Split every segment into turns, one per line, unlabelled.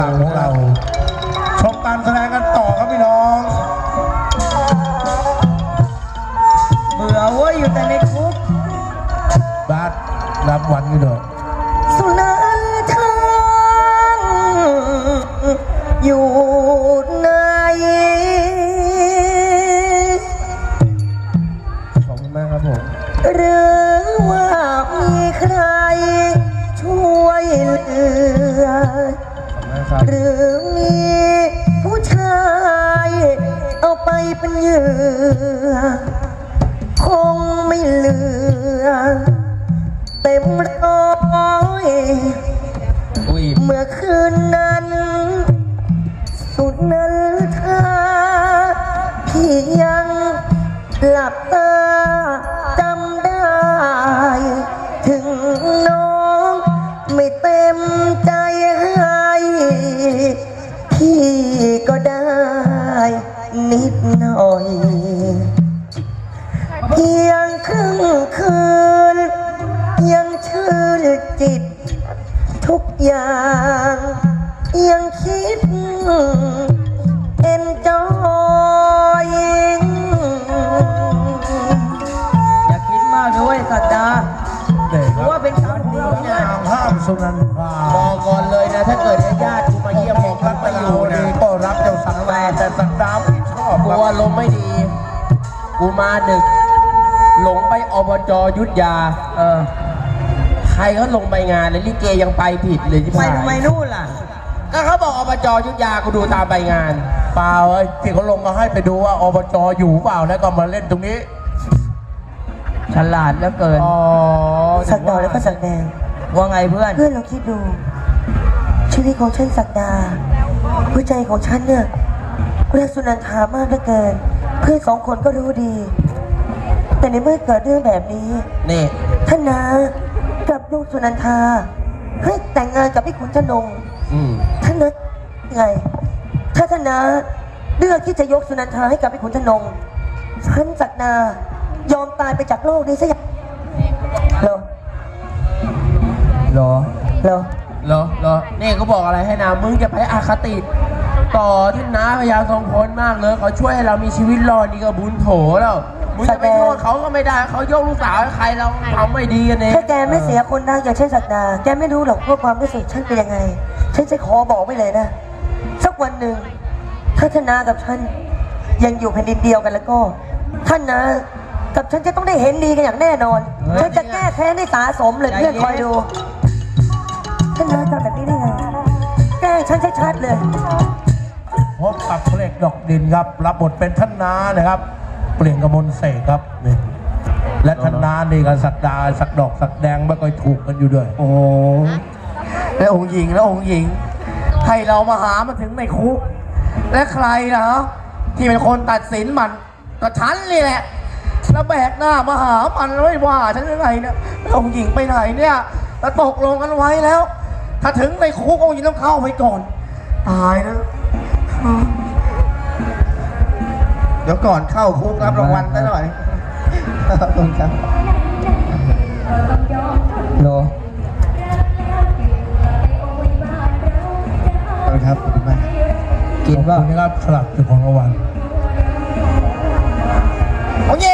ของเราชมการแสดงกันต่อครับพี่น้อง
เบื่อเว้ยอยู่แต่ในคุก
บาสรับวันกันด้วย
สุนันทางอยู่ไหน
ขอบคุณมากครับผม
หรือว่ามีใครช่วยเหลือหรือมีผู้ชายเอาไปเป็นเหยื่อคงไม่เหลือเต็มร้อยเมื่อคืนนั้นสุดนั้นท่าพี่ยังหลับตาจำได้ถึงน้องไม่เต็มใจให้พี่ก็ได้นิดหน่อยเพียงครึ่งคืนยังชื่นจิตทุกอย่างยังคิดเอ็นจอยอย่าคิดมากด้วยสัตดาเพราะว่าเป็นคำดีนะ
ห้ามสุนันทา
บอกก่อนเลยนะถ้าเกิดญาติกูมาเยี่ยมบอกรักมาอยู่นะ
ก็รับเจ้าสักแต่สักดาวไม่ชอบ
กลัวลมไม่ดีกูมาดึกหลงไปอบจยุทธยาใครเขาลงไปงานเลยลิเกยังไปผิดเลยที่
ไปทำไมนู่นล่ะ
ก็เขาบอกอบจยุทธยากูดูตามไปงาน
เปล่าไอ้ที่เขาลงมาให้ไปดูว่าอบจอยู่เปล่าแล้วก็มาเล่นตรงนี้
ฉลาดเหลือเกิน
สักดาแล้วก็สักแดง
ว่าไงเพื่อน
เราคิดดูชีวิตของฉันสักดาหัวใจของฉันเนี่ยรักสุนันทามากเหลือเกินเพื่อนสองคนก็รู้ดีแต่ในเมื่อเกิดเรื่องแบบนี้
นี่
ท่านนากับลูกสุนันทาให้แต่งงานกับพี่ขุนชนงท่านนะยังไงถ้าท่านนาเลือกที่จะยกสุนันทาให้กับพี่ขุนชนงฉันสักดายอมตายไปจากโลกนี้ซะอย่างเหรอ
นี่เขาบอกอะไรให้นะมึงจะไปอคติต่อท่านน้าพญาทรงพลมากเลยเขาช่วยให้เรามีชีวิตรอดนี่ก็บุญโถแล้วมึงจะไปโทษเขาก็ไม่ได้เขายกลูกสาวให้ใครเราทำไม่ดีกันเอง
ถ้าแกไม่เสียคนดังอย่างเช่นสักดาแกไม่รู้หรอกว่าความรู้สึกฉันเป็นยังไงฉันจะขอบอกไว้เลยนะสักวันหนึ่งถ้าท่านนากับฉันยังอยู่แผ่นดินเดียวกันแล้วก็ท่านนากับฉันจะต้องได้เห็นดีกันอย่างแน่นอนฉันจะแก้แค้นให้สาสมเลยเพื่อนคอยดูท่านนาทำแบบนี้ได้ไงแก้ฉันชัดๆเลย
พบกับเพลงดอกดินครับรับบทเป็นท่านนานะครับเปลี่ยนกมลเสกครับนี่และท่านนานี่กับสักดาสักดอกสักแดงไม่ค่อยถูกกันอยู่ด้วย
โอ้แล้วองค์หญิงให้เรามาหามาถึงในคุกและใครนะที่เป็นคนตัดสินมันก็ฉันนี่แหละแล้วแบกหน้ามาหามันไม่ว่าฉันยังไงเนี่ยองค์หญิงไปไหนเนี่ยเราตกลงกันไว้แล้วถ้าถึงในคุกองค์หญิงต้องเข้าไปก่อนตายนะ
เดี๋ยวก่อนเข้าคุกรับรางวัลซะหน่อยขอบคุณครับ
โล
ครับขอบคุณมาก
กินว่า
คุณครับสลับจุดของรางวัล
โอ้ย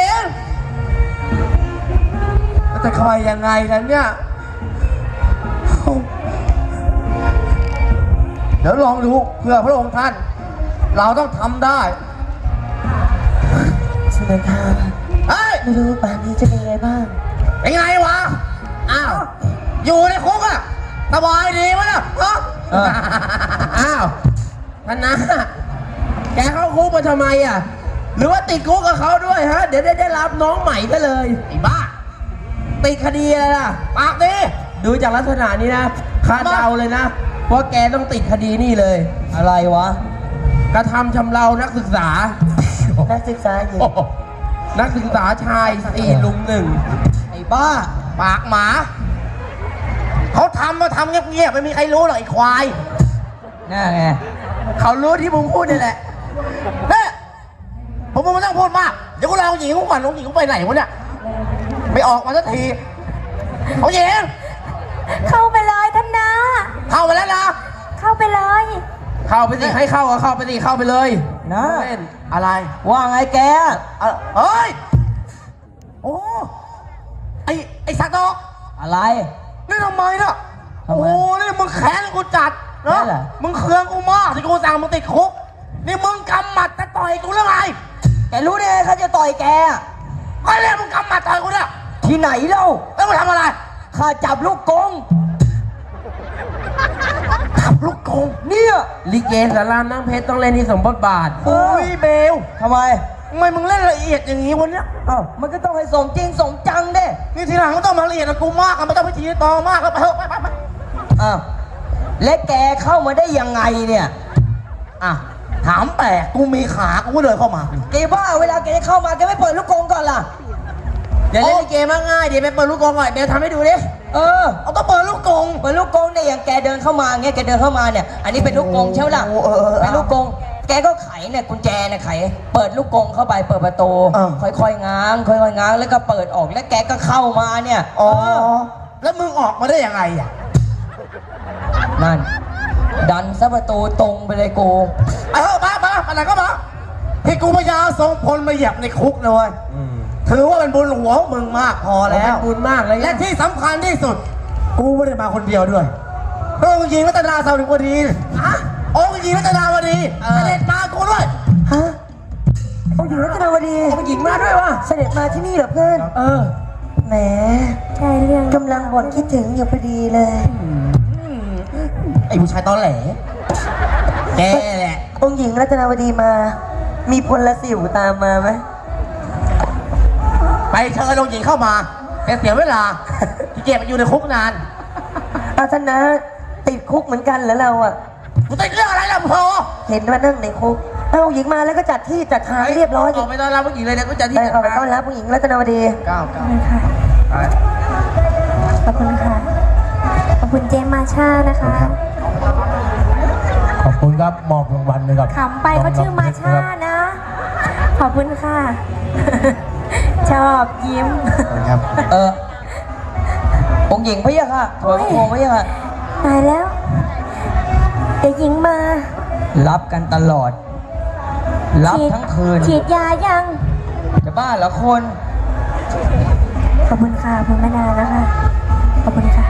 จะคอยยังไงกันเนี่ยเดี๋ยวลองดูเพื่อพระองค์ท่านเราต้องทำได้
สุนันทาไม่รู้ป่านนี้จะเป็นไงบ้าง
เป็นไงวะอ้าวอยู่ในคุกอะสบายดีวะเนี่ยอ้าวท่านนะแกเข้าคุกมาทำไมอะหรือว่าติดคุกกับเขาด้วยฮะเดี๋ยวได้รับน้องใหม่ก็เลยไอ้บ้าติดคดีอะไรล่ะปากดิดูจากลักษณะนี้นะคาดเดาเลยนะว่าแกต้องติดคดีนี่เลย
อะไรวะ
กระทำชำเรานักศึกษา
หญิง
นักศึกษาชาย4 ลุม 1ไอ้บ้าปากหมาเขาทำเงียบๆไม่มีใครรู้หรอกไอ้ควาย
น่าไง
เขารู้ที่มึงพูดนี่แหละเนี่ยผมไม่ต้องพูดมากเดี๋ยวกูลองหญิงกูก่อนหญิงกูไปไหนวะเนี่ยไม่ออกมาสักทีเอาหญิง
เข้าไปเลยท่านนา
เข้ามาแล้วนะ
เข้า
ไปเลย
เข้าไปสิให้เข้าก็เข้าไปสิเข้าไปเลย
นะ
เล่น
อะไร
ว่าไงแก
เฮ้ย โอ้ไอ้สักดอก
อะไร
นี่ทำไมน่ะ
ทำไม
โอ้นี่มึงแค้นกูจัด
แค้
นะ
นเหรอ
มึงเคืองกูมากที่กูสั่งมึงติดคุกนี่มึงกำหมัดจะต่อยกูหรือไง
แกรู้ได้ไงเขาจะต่อยแก
ก็เลยมึงกำหมัดต่อยกูเนี่ย
ที่ไหนเล่า
แล้วมึงทำอะไร
ข้าจับลูกกง
ขับลูกโกง
เนี่ย
ลิเกสารามน้ำเพชรต้องเล่นที่สมบทบาท
โอ้ยเบล
ทำไม
ทำไมมึงเล่นละเอียดอย่างนี้วันเนี้ย
อ้าวมันก็ต้องให้สมจริงสมจังเด้
นี่ทีหลังก็ต้องมาละเอียดกับกูมากอะไม่ต้องพิธีตองมากแล้วไปเถอะไป
อ้าวและแกเข้ามาได้ยังไงเนี่ย
อ่ะถามแปลกกูมีขากูก็เดินเข้ามา
แกว่าเวลาแกจะเข้ามาแกไม่เปิดลูกกงก่อนล่ะ
เดี๋ยวเล่นลิเกมากง่ายเดี๋ยวไปเปิดลูกกลองก่อนเบลทำให้ดูดิ
เออ
เอาต้องเปิดลูกกง
เปิดลูกกงเนี่ยอย่างแกเดินเข้ามาเงี้ยแกเดินเข้ามาเนี่ย อันนี้เป็นลูกกงใช่ไหมล่ะ
โอ้เออ
เป็นลูกกง แกก็ไขเนี่ยกุญแจเนี่ยไข เปิดลูกกงเข้าไปเปิดประตู ค่อยๆง้างค่อยๆง้างแล้วก็เปิดออกแล้วแกก็เข้ามาเนี่ย
อ๋อแล้วมึงออกมาได้ยังไงอ่ะ
นั่น ดันซะประตูตรงไปเลยกู
มาอะไรก็มาที่กูพยาทรงพลมาเหยียบในคุกนะเว้ยถือว่าเป็นบุญหลวงมึงมากพอแล้ว
เป็นบุญมากเลย
และที่สำคัญที่สุด กูไม่ได้มาคนเดียวด้วยองค์หญิงรัตนาสาวดี องค์หญิงรัตนาวดีเสด็จมากูด้วย
ฮะองค์หญิงรัตนาวดี
ผู้หญิงมาด้วยวะ
เสด็จมาที่นี่เหรอเพื่อน
เออ
แหม
ใช่เรื่อง
กำลังบ่นคิดถึงอยู่พอดีเลย
ไอ้ผู้ชายตอแหลแกแหละ
องค์หญิงรัตนาวดีมา มีพลสิวตามมาไหม
ไปเชิญองค์หญิงเข้ามาแกเสียเวลาที่เก็บอยู่ในคุกนาน
อาสนะติดคุกเหมือนกันเหรอเราอ่ะ
กูติดเรื่องอะไรล่ะพอ
เห็นว่านั่งในคุกเอาองค์หญิงมาแล้วก็จัดที่จัดทางให้เรียบร้อย
ออกไปต้อนรับผู้หญิงเลยเดี๋ยวกูจะที่
ไปเอาไปต้อนรับผู้หญิงรัตนาวดี
ก้าว
ขอบคุณค่ะ ขอบคุณค่ะ ขอบคุณเจมมาชานะคะ
ขอบคุณครับมอบรางวัลเลยครับ
ขำไปเขาชื่อมาชานะ ขอบคุณค่ะ ชอบยิ้ม
ครับ
องค์หญิงพะยะค่ะถอยพระโคมพะยะค่ะ
ตายแล้ว เดี๋ยวหญิงมา
รับกันตลอด รับทั้งคืน
ฉีดยายัง
จะบ้าเหรอคน
ขอบคุณค่ะขอบคุณแม่นานะคะ ขอบคุณค่ะ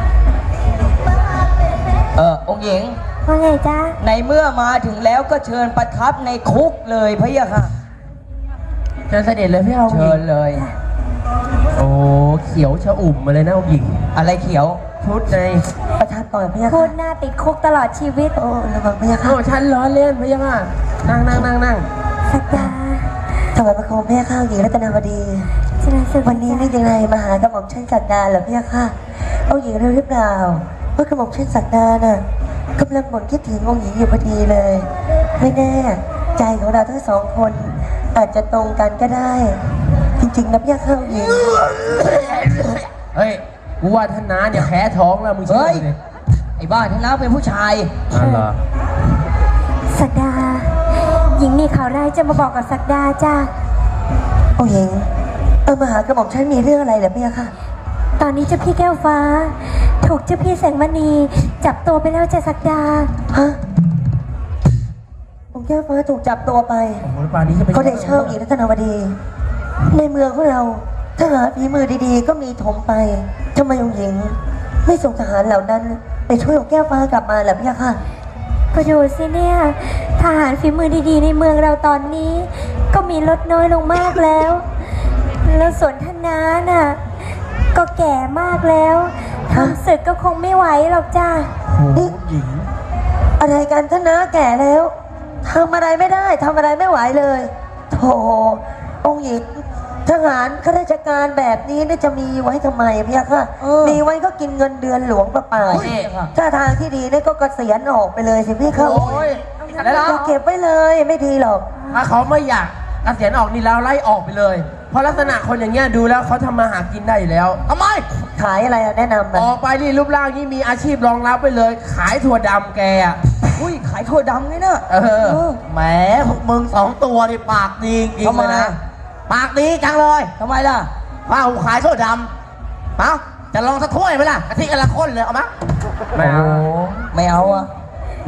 องค์หญิง
ว่าไงจ๊ะ
ในเมื่อมาถึงแล้วก็เชิญประทับในคุกเลยพะยะค่ะ
เชิญเสด็จเลยพี่เอา
เชิญเลย
โอ้เขียวชะอุ่มมาเลยนะผู้หญิง
อะไรเขียว
ชุดใน
ประทับก่อนพะยะ
พู
ค่ะ
ดหน้าติดคุกตลอดชีวิต
โอ้ระวังพะยะค่ะ
โอ้ฉันล้อเล่นพี่ยังอ่ะนั่ง
สักดา
ถวายพระโคมพะยะค่ะองค์หญิงรัตนาวดี
ชนะศึก
วันนี้นี่ยังไงมาหากระหม่อมเช่นศักดาเหรอพะยะค่ะองค์หญิงรู้หรือเปล่าว่ากระหม่อมเช่นศักดาน่ะกำลังบ่นคิดถึงองค์หญิงอยู่พอดีเลย ไม่แน่ใจของเราทั้งสองคน อาจจะตรงกันก็ได้ จริงๆนะพะยะค่ะองค์หญิง
เฮ้ยกูว่าท่านน้าเนี่ยแพ้ท้องแล้วมึงเชื่อ
เฮ้ย
ดิ
ไอ้บ้าท่านน้าเป็นผู้ชาย
อ๋อเหรอ
สักดา หญิงมีข่าวร้ายจะมาบอกกับสักดาจ้า
องค์หญิงมาหากระหม่อมฉันมีเรื่องอะไรเหรอพะยะค่ะ
ตอนนี้เจ้าพี่แก้วฟ้า ถูกเจ้าพี่แสงมณี จับตัวไปแล้วจ้ะสักดา
ฮะองค์แก้วฟ้าถูกจับตัวไป
โอ้โหป่านนี้จะไป
เขาได้เช่าหญิงรัตนาวดี ในเมืองของเราทหารฝีมือดีๆ ก็มีถมไปทำไมองค์หญิง ไม่ส่งทหารเหล่านั้น ไปช่วยองค์แก้วฟ้ากลับมาล่ะพี่ค่ะ
ก็ดูสิเนี่ย ทหารฝีมือดีๆ ในเมืองเราตอนนี้ ก็มีลดน้อยลงมากแล้ว แล้วสนทนาน่ะ ก็แก่มากแล้วทำศึกก็คงไม่ไหวหรอกจ้า
โอ้โหหญิง
อะไรกันท่านนะแก่แล้วทำอะไรไม่ได้ทำอะไรไม่ไหวเลยโธ่องค์หญิงทหารข้าราชการแบบนี้เนี่ยจะมีไว้ทำไมพี่ค่ะมีไว้ก็กินเงินเดือนหลวงเปล่าๆถ้าทางที่ดีเนี่ยก็เกษียณออกไปเลยสิพี่ค่ะ
โอ้ยแล้ว
อย่าเก็บไว้เลยไม่ดีหรอก
ถ้าเขาไม่อยากเกษียณออกนี่แล้วไล่ออกไปเลย เพราะลักษณะคนอย่างเงี้ยดูแล้วเขาทำมาหากินได้อยู่แล้วทำไม
ขายอะไรอะแนะนำ
ออกไปนี่รูปร่างนี่มีอาชีพรองรับไปเลย ขายถั่วดำแกอ่ะ
อุ้ยขายถั่วดำไงเนอะ
แหมพวกมึงสองตัวนี่ปากดีจริง
ทำ
เล
ไม
ยนะปากดีจังเลย
ทำไมล่ะ
ว่ากูขายโซ่ดำเอาจะลองสักถ้วยไหมล่ะกะทิกะละข้นเลยเอามา
ไม่เอา
ไม่เอาอะ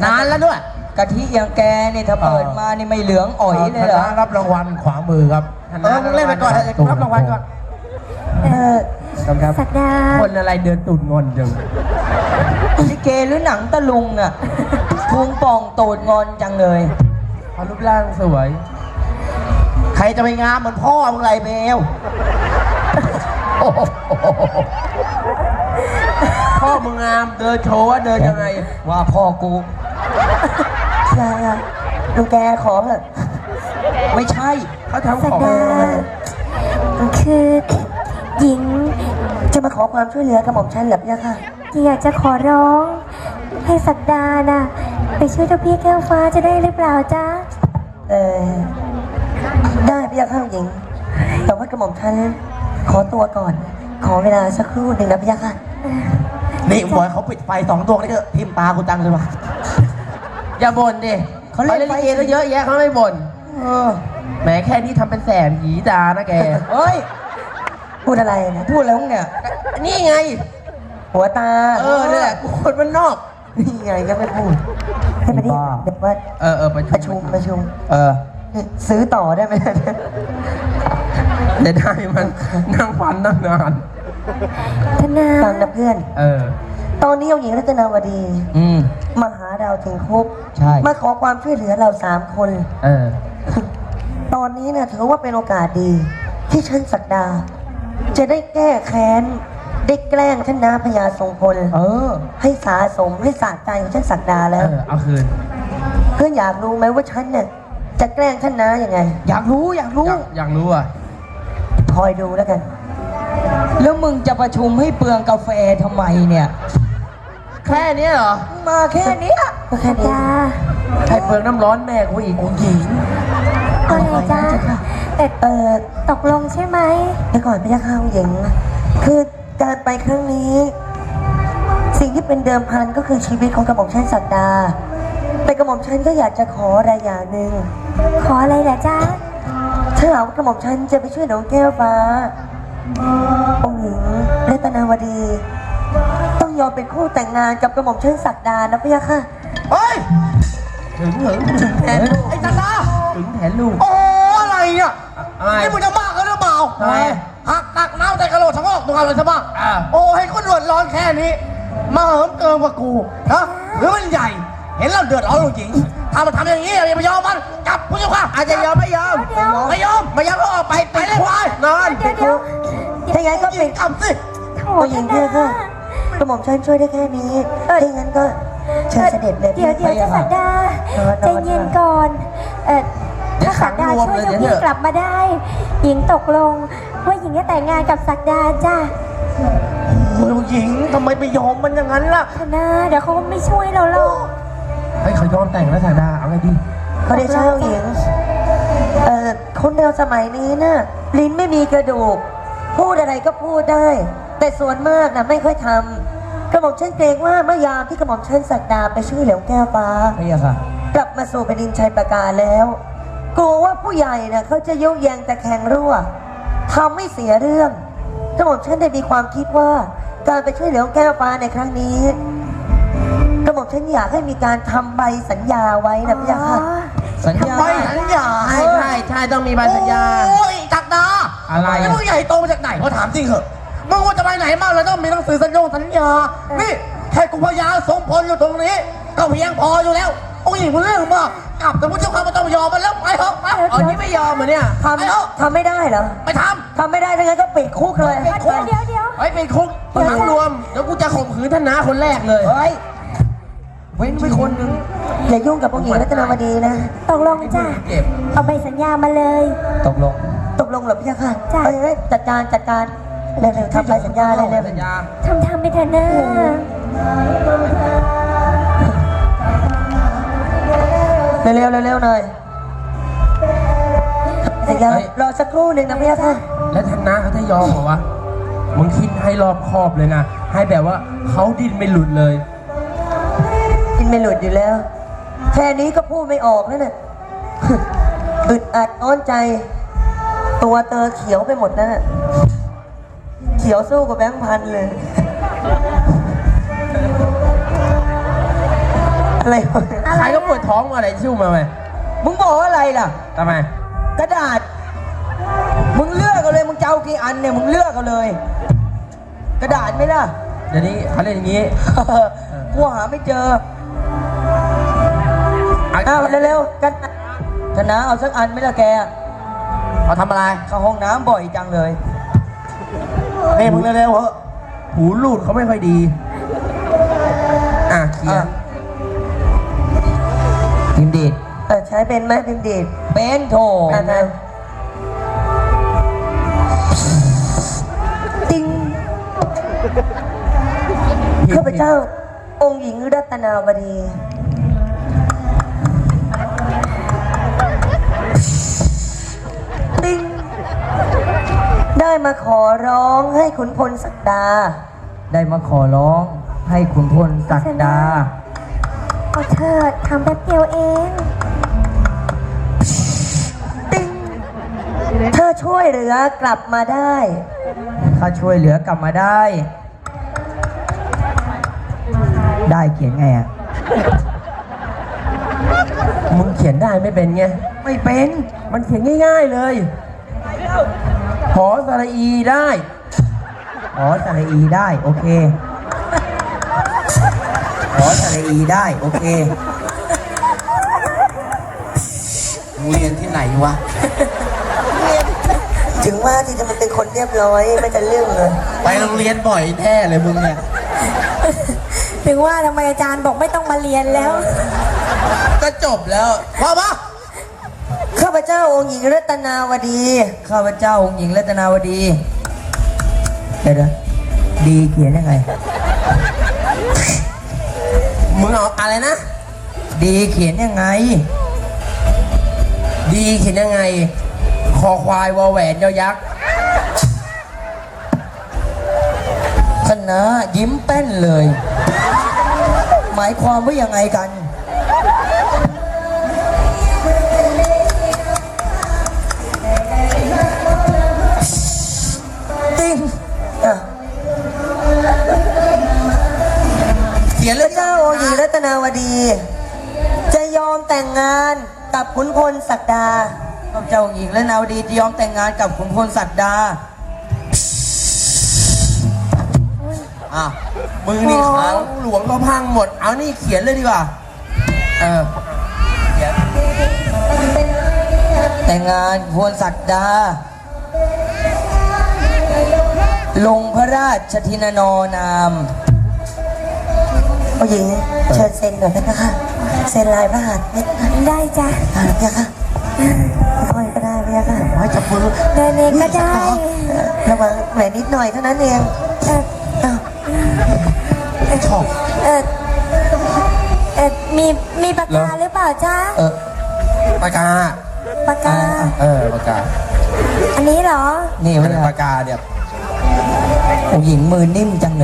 นานแล้วด้วย
กะทิอย่างแกเนี่ยถ้าเปิดมานี่ไม่เหลืองอ๋อยเลยเหรอ
ธนารับรางวัลขวามือครับ
มึงเล่นไปก่อนรับรางวัลก่อน
สักดา
คนอะไรเดินตูดงอนจัง
ลิเกหรือหนังตะลุงอ่ะพุงป่องตูดงอนจังเลย
เขารูปร่างสวย ใครจะไปงามเหมือนพ่อมึงไรเบลพ่อมึงงามเดินโชว์ว่าเดินยังไง
ว่าพ่อกูอย่าลุงแกขอเถอะไม่ใช่
เขาทำ
สั
ข
ก
อง
ดาคือหญิง
จะมาขอความช่วยเหลือกับหม่อมฉันเหรอพี่ค่ะ
อยากจะขอร้อง ให้สักดาน่ะไปช่วยเจ้าพี่แก้วฟ้าจะได้หรือเปล่าจ๊ะ
ได้พี่ค่ะหญิง แต่ว่ากระหม่อมฉันขอตัวก่อน ขอเวลาสักครู่หนึ่งนะพี่ค่ะ
นี่บอยเขาปิดไฟ2 ดวงนี่ก็ทิมตากูจังเลยว่ะอย่าบ่นดิเขาเล่นลิเกก็เยอะแยะเขาไม่บ่นแหมแค่นี้ทำเป็นแสบหีดานะแก
เฮ้ย พูดอะไรนะพูดอะไรของเนี่ย
นี่ไง
หัวตา
เนี่ยแหละคนมันนอก
นี่ไงก็ไม่พูดให้มาดิเดี๋ยวว่า
ประชุม
ประชุมซื้อต่อได้ไหม
เดี๋ยวได้มันนั่งฟันนั่งนาน
ธนา
ฟังนะเพื่อน ตอนนี้เอาหญิงรัตนาวดี มาหาเราถึงคุก
ใช่
มาขอความช่วยเหลือเรา3 คน ตอนนี้นะถือว่าเป็นโอกาสดี ที่ฉันศักดา จะได้แก้แค้น ได้แกล้งท่านนาพญาทรงพลให้สาสมให้สะใจของฉันศักดาแล้ว
เอาคืน
เพื่อนอยากรู้ไหมว่าฉันเนี่ยจะแกล้งท่านนายังไง
อยากรู้อยากรู้อ่ะ
คอยดูแล้วกัน แล้วมึงจะประชุมให้เปลืองกาแฟทำไมเนี่ย
แค่นี้เหรอ
มาแค่เนี้ยก็แค่นี้
ดา
ใครเปลืองน้ำร้อนแม่กูอีกหญิง
ก็เลยจ้าแต่ตกลงใช่ไหม
เดี๋ยวก่อนพี่ยักษ์ข้าวหญิง คือการไปครั้งนี้ สิ่งที่เป็นเดิมพันก็คือชีวิตของกระหม่อมชันศักดา แต่กระหม่อมชันก็อยากจะขออะไรอย่างหนึ่ง
ขออะไรล่ะจ๊ะ
ถ้าหากว่ากระหม่อมชันจะไปช่วยน้องแก้วฟ้าองค์หญิงรัตนาวดี ต้องยอมเป็นคู่แต่งงานกับกระหม่อมชันศักดานะพี่ยักษ์ค่ะ
เฮ้ยถึงแทนลูกไอ้จันดาถึงแทนลูก
โอ้อะไรเนี่ย
อะไร
นี่มึงจะบ้ากันหรือเปล่า
ทำไม
หักตักน้ำใจกระโหลกชะงอกตัวอะไรซะบ้าง
อ่า
โอ้ให้คนเดือดร้อนแค่นี้ มาเหิมเกินกว่ากูนะหรือมันใหญ่ เห็นเราเดือดร้อนจริงถ้ามันทำอย่างนี้อย่าไปยอมมันกลับผู้ชมค่ะ
อาจจะยอมไม่ยอม
เดี๋ยว
ไม่ยอม
ไม่ยอมก็ออกไปเลยควายนอน
เดี๋ยว
ถ้าอย่างนั้นก็ปิด
กำสิ
โถ
องค์หญิง
ธ
พี่
นา
ยักษ์ค่ะกระหม่อมชันช่วยได้แค่นี้ถ้าอย่างนั้นก็เชิญเสด็จเลย
เดี๋ยวจะสักดาใจเย็นก่อนถ้าสักดาช่วยเจ้าพี่กลับมาได้ หญิงตกลงว่าหญิงจะแต่งงานกับสักดาจ้ะ
โอ้ยหญิงทำไมไปยอมมันอย่างนั้นล่ะ
ธนาเดี๋ยวเขาไม่ช่วยเราหรอก
เฮ้ยเขายอมแต่งแล้วสาดาเอาไงดี
เขาได้เช่าหญิงคนเราสมัยนี้น่ะลิ้นไม่มีกระดูก พูดอะไรก็พูดได้ แต่ส่วนมากนะไม่ค่อยทำกระหม่อมฉันเกรงว่าเมื่อยามที่กระหม่อมฉันศักดาไปช่วยเหลียวแก้วฟ้า
ไม่ยากค่ะ
กลับมาสู่แผ่นดินชัยประการแล้วกลัวว่าผู้ใหญ่น่ะเขาจะยุแยงแต่แข่งรั่วทำให้เสียเรื่องกระหม่อมฉันได้มีความคิดว่า การไปช่วยเหลียวแก้วฟ้าในครั้งนี้กระหม่อมฉันอยากให้มีการทำใบสัญญาไว้นะพี่ยาค่ะ
สัญญา
ไม่สัญญา
ใช่ต้องมีใบสัญญา
โอ้ยจักดา
อะไร
แล้วมึงใหญ่โตมาจากไหนเขาถามจริงเหอะมึงว่าจะไปไหนมาแล้วต้องมีหนังสือสัญญา นี่แค่กูพยาสมพลอยู่ตรงนี้ ก็เพียงพออยู่แล้ว โอ้ยมึงเรื่องมากกลับแต่ผู้เจ้าข้าไม่ต้องยอมมันแล้วไปเถอะไป
อ๋อนี่ไม่ยอมเหรอเนี่ย
ทำไม่ได้เหรอ
ไปท
ทำไม่ได้ทั้งนั้นก็ปิดคุกเลย
เดี๋ยว
เฮ้ยเป็นคุกขังรวมเดี๋ยวกูจะข่มขืนท่านน้าคนแรกเลย
เฮ้ย
เว้นไว้คนนึง
อย่ายุ่งกับองค์หญิงรัตนาวดีนะ
ตกลงจ้ะ
เก็บ
เอาใบสัญญามาเลย
ตกลง
ตกลงเหรอพี่ยาค่ะ
จ้ะ
เอ้ยจัดการเร็วๆทำใบสัญญาเร็ว
สัญญา
ทำไปเถอะนะ
ๆเร็วๆหน่อยสัญญารอสักครู่หนึ่งนะพี่ยาค่ะ
แล้วท่านน้าเขาจะยอมเหรอวะมึงคิดให้รอบคอบเลยนะ ให้แบบว่าเขาดิ้นไม่หลุดเลย
กินไม่หลุดอยู่แล้ว แค่นี้ก็พูดไม่ออกแล้วน่ะ อึดอัดอ้อนใจ ตัวเตอเขียวไปหมดนั่นน่ะเขียวสู้กับแบงค์พันเลยอะไรวะ
อะไร
ใครก็ปวดท้องมาอะไรชิ่วมาไหม
มึงบอกว่าอะไรล่ะ
ทำไม
กระดาษ มึงเลือกเอาเลย มึงจะเอากี่อันเนี่ย มึงเลือกเอาเลย กระดาษไหมล่ะ
เดี๋ยวนี้เขาเล่นอย่างนี้
กูหาไม่เจออ้าวเร็วๆกันชนะเอาสักอันไหมล่ะแก
เขาทำอะไร
เข้าห้องน้ำบ่อยจังเลย
นี่มึงเร็วๆเหอะ
หูรูดเขาไม่ค่อยดี เขียน
พิมพ์ดีดใช้เป็นไหมพิมพ์ดีดเป็นโถนะติงข้าพเจ้า องค์หญิงรัตนาวดีติงได้มาขอร้องให้ขุนพลศักดา ได้มาขอร้องให้ขุนพลศักดา
เอาเถิดทำแป๊บเดียวเอง
ติงถ้าช่วยเหลือกลับมาได้ ถ้าช่วยเหลือกลับมาได้ ได้เขียนไงอ่ะ
มึงเขียนได้ไม่เป็นไง
ไม่เป็น
มันเขียนง่ายๆเลยหอสระอีได้
อ๋อสระอีได้ โอเคอ๋อสระอีได้ โอเค
มึงเรียนที่ไหนวะ
ถึงว่าที่จะมันเป็นคนเรียบร้อยไม่จะเรื่องเลย
ไปโรงเรียนบ่อยแท้เลยมึงเนี่ย
ถึงว่าทำไมอาจารย์บอกไม่ต้องมาเรียนแล้ว
ก็จบแล้ว
ว่าปะ
ข้าพเจ้าองค์หญิงรัตนาวดี ข้าพเจ้าองค์หญิงรัตนาวดี เดี๋ยวดีเขียนยังไง
มึงเอาอะไรนะ
ดีเขียนยังไง
ดีเขียนยังไง คอควายวอแหวนยอยักษ์
คณะยิ้มแป้นเลย หมายความว่ายังไงกัน ติ้งอ่ะ
เขียน
พ
เลย
ระเจ้าองค์หญิงรัตนาวดี จะยอมแต่งงานกับขุนพลศักดาพระเจ้าองค์หญิงรัตนาวดีจะยอมแต่งงานกับขุนพลศักดา
อ่ะมึงนี่ขังหลวงก็พังหมด เอานี่เขียนเลยดีกว่า เขียน
แต่งงานพลศักดา ลงพระราชทินานามผู้หญิงเชิญเซ็นหน่อยนะคะเซ็นลายพระหัตถ์นิด
ได้จ้ะ
เนี่ยค่ะค่อยก็ได้เนี่ยค่ะ
ไว้จับมือ
เดินเองก็ได้
ระวังแหวนนิดหน่อยเท่านั้นเอง
เออ
อ้าว
ชอบ
เออมีปากกาหรือเปล่าจ๊ะ
ปากกา
ปากกา
ปากกา
อันนี้เหรอ
นี่
อั
เวน
นี้
ลา
ปากกาเนี่ย
ผู้หญิงมือนิ่มจังเลย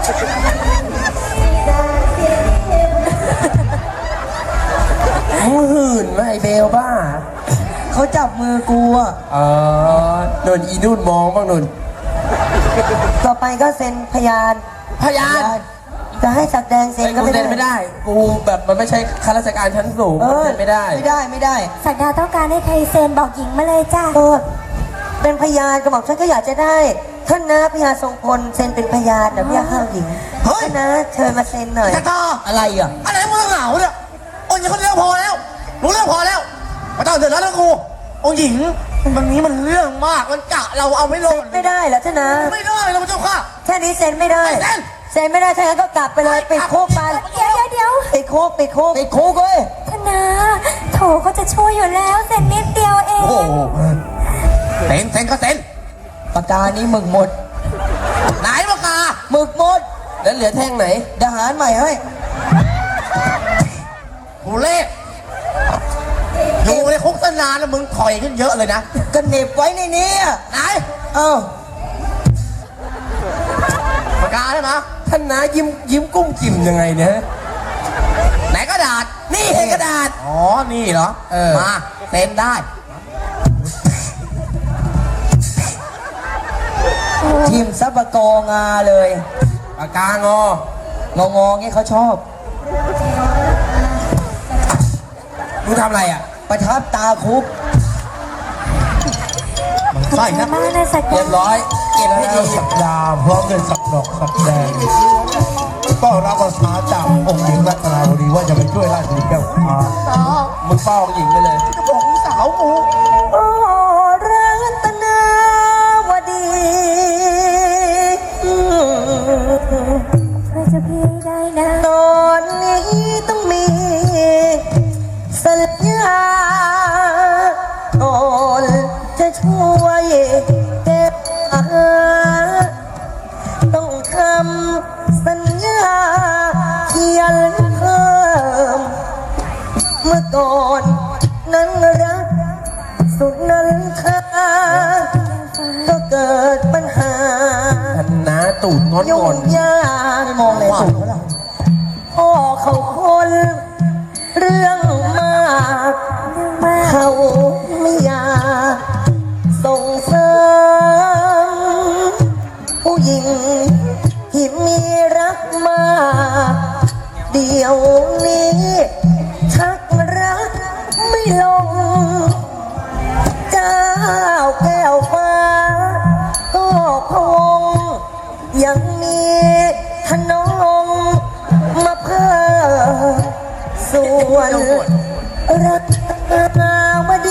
มึงหื่นไหมไอ้เบลบ้า
เขาจับมือกูอ่ะ
โดนอีนุ่นมองบ้างนุ่น
ต่อไปก็เซ็นพยาน
พยาน
จะให้สักแดงเซ็นก็
กูเซ็นไม่ได้ กูแบบมันไม่ใช่ข้าราชการชั้นสูงเซ็นไม่ได้
ไม่ได้ไม่ได้
สักดาต้องการให้ใครเซ็นบอกหญิงมาเลยจ้ะ
ก็เป็นพยานกระบอกฉันก็อยากจะได้ ท่านนะพยานทรงพลเซ็นเป็นพยานนะพี่ข้าวหญิงท่านนะเชิญมาเซ็นหน่อย
กระตา
อะไรอ่ะ
อะไรมึงเหงาเนี่ยองค์หญิงคนเดียวพอแล้ว รู้เรื่องพอแล้วไม่ต้องเดือดร้อนแล้วกูองค์หญิงวันนี้มันเรื่องมาก มันกะเราเอาไม่ลง
ไม่ได้แล้วท่านนะ
ไม่ได้เราเจ้าค่ะ
แค่นี้เซ็นไม่ได้
ไม่เซ็น
เซ็นไม่ได้ถ้างั้นก็กลับไปเลยปิดคุกไป
เดี๋ยว
ปิดคุกปิดคุกปิดคุกเว้ย
ธนาโถเขาจะช่วยอยู่แล้วเซ็นนิดเดียวเอง
โอ้โหเซ็นก็เซ็น
ปากกานี้หมึกหมด
ไหนปากกา
หมึกหมด
แล้วเหลือแท่งไหน
เดี๋ยวหารใหม่ให้
กูเลขอยู่ในคุกตั้งนานแล้วมึงถอยขึ้นเยอะเลยนะ
ก็เหน็บไว้ในนี้อ่ะ
ไหน
เอ้า
ปากกาใช่ไหม
ท่านนายิ้มกุ้มกิ่มยังไงเนี่ย
ไหนกระดาษ
นี่ให้กระดาษ
อ๋อ นี่เหรอ มาเซ็นได้
ทีมซับปะกองาเลย
ปากกางอ
งองี้เขาชอบ
มึงทำอะไรอ่ะ
ประทับตาคุก
มันไส้นะ
มากนะสัก
เรียบร้อย เก็บให้ดี
สักดาพร้อมด้วยสักดอกสักแดงก็รับภาษาจากองค์หญิงรัตนาวดีว่าจะไปช่วยราชบุตรแก้วฟ้า
มึงเฝ้าองค์หญิงไปเลย
จะบอกพี่สาวกู
โอ้รัตนาวดี
ช่วยเจ้าพี่ได้นะ
ตอนนี้ต้องมีสัญญาก่อนจะช่วยเก็บต้องทำสัญญาเขียนเพิ่ม เมื่อก่อนนั้นรักสุดนั้นเธอก็เกิดปัญหา
ท่านนาตูดงอน
ยุ่
งอง น
ยากมองเลยสูงแล้วพ่อเขาคนเรื่องมากเขาไม่อยากส่งเสริมผู้หญิงที่มีรักมากเดี๋ยวนี้ชักรักไม่ลง เจ้าแก้วฟ้าก็พงยังมีขนมมาเพิ่มส่วนรักนาวดี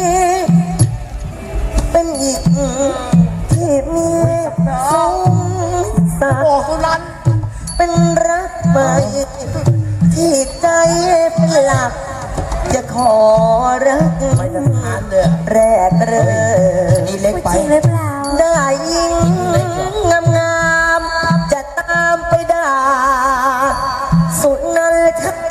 เป็นอีกที่มีสมศัก
โอ้
ดิ์
สุรัน
เป็นรักใหม่ที่ใจเป็นหลัก จะขอรัก
ไม่ทหารเลย
แรกเริ่ม
นี่เล็กไป
จริงหรือเปล่า
ได้ยิงงามๆจะตามไปด่าสุดนั้นทัก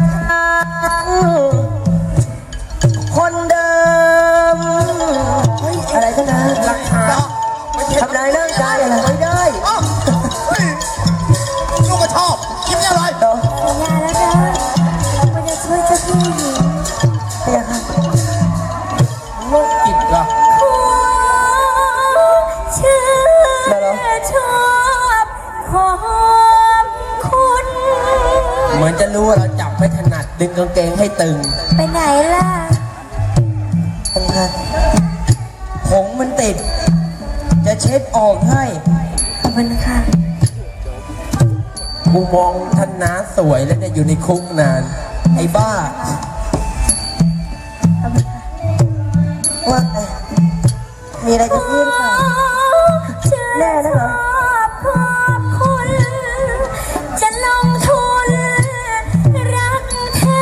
คนเดิมเฮ้ยอะไรกันนะ
ราคา
ทำลายร่างกายอะไรไม่ได้
อ้าวเฮ้ยลูกก็ชอบกินอะไร
ต่อ
สัญญาแล้วนะว่าจะช่วยเจ้าพี่หญิง
พยาค่ะ
โรคจิตเหรอ
ขอเชื่อชอบขอบคุณ
เหมือนจะรู้ว่าเราจับไม่ถนัดดึงกางเกงให้ตึง
ไปไหนล่ะ
ทำงานผงมันติด จะเช็ดออกให้
ขอบคุณค่ะ
กูมองท่านน้าสวยแล้วเนี่ยอยู่ในคุกนาน ไอ้บ้า
ว่ามีอะไรจะพูดหรือเปล่า แน่นะเหรอ
ขอบคุณ จะลงทุนรักแท้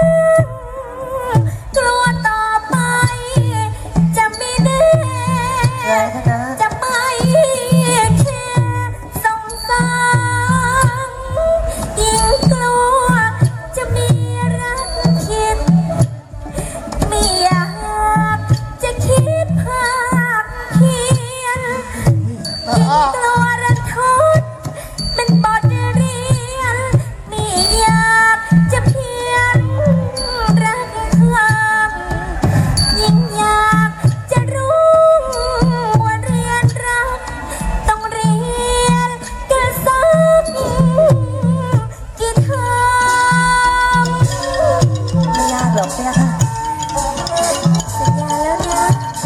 กลัวต่อไป จะไม่แน่
อะไรคะนะ
จะไม่แค่สงสารยิ่งกลัวจะมีรักคิด ไม่อยากจะคิดภาคเพียนยิ่งกลัวรันทดเป็นบทเรียนไม่อยากจะเพียงรักข้างยิ่งอยากจะรู้ว่าเรียนรักต้องเรียนกันสักกี่เทอม
ไม่ยากหรอกใช่ไหมคะ
สัญญาแล้วนะ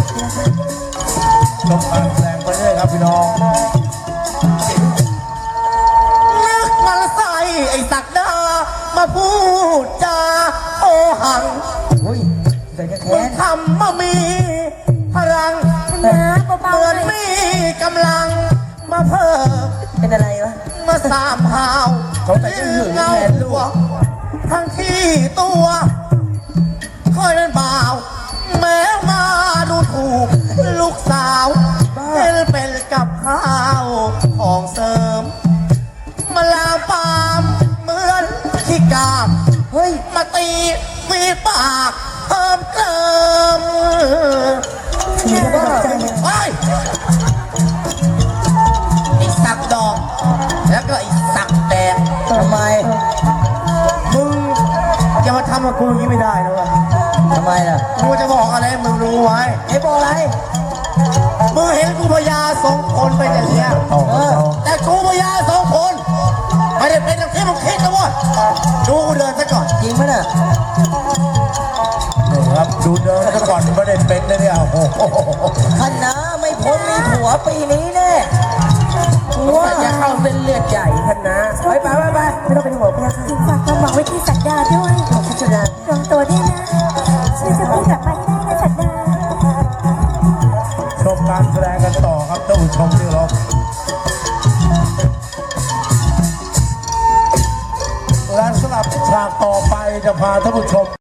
ลงการแสดงไปเรื่อยครับพี่น้องนึกมันใส่ไอ้สักดามาพูดจาโอหัง
อุ้ยเดี๋ยวจะ
มึ
แค้
ง
น
ทำมามีพลัง
ธนาเบา
เหมือน
ๆหน่อย
มีกำลังมาเพิ่ม
เป็นอะไรวะ
มาสามหาว
เขาแต่จะหึง
เงา
แทนลู
ตัว
ก
ทั้งที่ตัวคอยเป็นบ่าว แม้มาดูถูกลูกสาวเป็นกับข้าวของเสริม มาลามปามเหมือนขี้กาก
เฮ้ย
มาตีมีปากเพิ่มเติม
มีกระบอกใจเนี่ย
ไอ้ยไอ้สักดอก แล้วก็ไอ้สักแดง
ทำไม
มึงจะมาทำกับกูอย่างนี้ไม่ได้นะเวะ
ทำไมล่ะ
กูจะบอกอะไรให้มึงรู้ไว้
ไอ้บอกอะไร
มึงเห็นกูพญาสองคนเป็นอย่างเงี้ยแต่กูพญาสองคนไม่ได้เป็นอย่างที่มึงคิดนะเว้ยดูกูเดินซะก่อน
จริงไหมน่ะ
ครับดูเดินซะก่อนไม่ได้เป็นนะเนี่ยโอ้โห
ท่านนะไม่พ้นมีผัวปีนี้แน่
ว่าจะเข้าเส้นเลือดใหญ่ท่านนะไปไปไปไป
ไม่ต้องเป็นห่วงพี่ค่ะ
ฝากความหวังไว้ที่สักดาด้วย
ขอบคุณนะ
รวมตัวด้วยนะช่วยจะพูดกลับมาให้ได้นะสักดา
ชมการแสดงกันต่อครับท่านผู้ชมที่เคารพและสำหรับฉากต่อไปจะพาท่านผู้ชม